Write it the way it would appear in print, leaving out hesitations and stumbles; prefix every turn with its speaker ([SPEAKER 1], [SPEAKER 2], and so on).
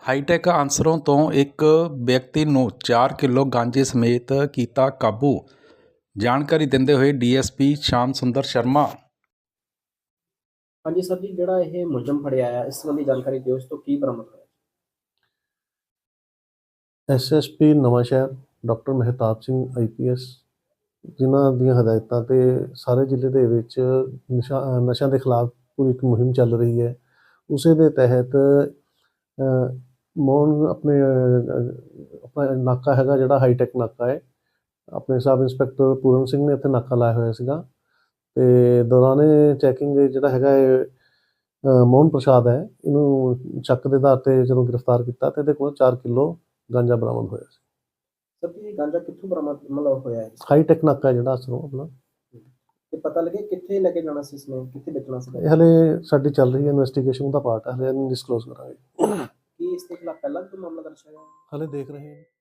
[SPEAKER 1] High-tech ਅਨਸਰਾਂ ਤੋਂ ਇੱਕ ਵਿਅਕਤੀ ਨੂੰ 4 ਕਿਲੋ ਗਾਂਜੇ ਸਮੇਤ ਕੀਤਾ ਕਾਬੂ। ਜਾਣਕਾਰੀ ਦਿੰਦੇ ਹੋਏ ਡੀਐਸਪੀ ਸ਼ਾਮ ਸੁੰਦਰ ਸ਼ਰਮਾ।
[SPEAKER 2] ਹਾਂਜੀ ਸਰ ਜੀ, ਜਿਹੜਾ ਇਹ ਮੁਲਜ਼ਮ ਫੜਿਆ ਆ, ਇਸ ਸੰਬੰਧੀ ਜਾਣਕਾਰੀ ਦਿਓ। ਇਸ ਤੋਂ ਕੀ ਬਰਾਮਦ ਹੋਇਆ?
[SPEAKER 3] SSP Nawanshahr doctor Mehtab Singh IPS, ਜਿਨ੍ਹਾਂ ਦੀਆਂ ਹਦਾਇਤਾਂ ਤੇ ਸਾਰੇ ਜ਼ਿਲ੍ਹੇ ਦੇ ਵਿੱਚ ਨਸ਼ਿਆਂ ਦੇ ਖਿਲਾਫ ਪੂਰੀ ਇੱਕ ਮੁਹਿੰਮ ਚੱਲ ਰਹੀ ਹੈ। ਉਸੇ ਦੇ ਤਹਿਤ ਮੋਹਨ ਆਪਣਾ ਨਾਕਾ ਹੈਗਾ, ਜਿਹੜਾ ਹਾਈਟੈਕ ਨਾਕਾ ਹੈ, ਆਪਣੇ ਸਬ ਇੰਸਪੈਕਟਰ ਪੂਰਨ ਸਿੰਘ ਨੇ ਇੱਥੇ ਨਾਕਾ ਲਾਇਆ ਹੋਇਆ ਸੀਗਾ। ਤੇ ਦੌਰਾਨੇ ਚੈਕਿੰਗ ਜਿਹੜਾ ਹੈਗਾ ਮੋਹਨ ਪ੍ਰਸਾਦ ਹੈ, ਇਹਨੂੰ ਸ਼ੱਕ ਦੇ ਆਧਾਰ ਤੇ ਜਦੋਂ ਗ੍ਰਿਫਤਾਰ ਕੀਤਾ ਤੇ ਇਹਦੇ ਕੋਲ 4 ਕਿਲੋ ਗਾਂਜਾ ਬਰਾਮਦ ਹੋਇਆ ਸੀ।
[SPEAKER 2] ਸਰ ਜੀ, ਇਹ ਗਾਂਜਾ ਕਿੱਥੋਂ ਬਰਾਮਦ ਹੋਇਆ ਹੈ?
[SPEAKER 3] ਹਾਈਟੈਕ ਨਾਕਾ ਜਿਹੜਾ ਅਸਲੋਂ ਆਪਣਾ।
[SPEAKER 2] ਤੇ ਪਤਾ ਲੱਗੇ ਕਿੱਥੇ ਲੈ ਕੇ ਜਾਣਾ ਸੀ, ਇਸਨੇ ਕਿੱਥੇ ਵੇਚਣਾ ਸੀ?
[SPEAKER 3] ਇਹ ਹਲੇ ਸਾਡੀ ਚੱਲ ਰਹੀ ਹੈ ਇਨਵੈਸਟੀਗੇਸ਼ਨ ਦਾ ਪਾਰਟ ਹੈ, ਹਲੇ ਨਹੀਂ ਡਿਸਕਲੋਜ਼ ਕਰਾਂਗੇ।
[SPEAKER 2] ਕੀ ਇਸ ਦੇ ਖਿਲਾਫ ਪਹਿਲਾਂ ਵੀ ਕੋਈ ਮਾਮਲਾ ਦਰਜ ਹੋਇਆ?
[SPEAKER 3] ਹਲੇ ਦੇਖ ਰਹੇ ਹਾਂ।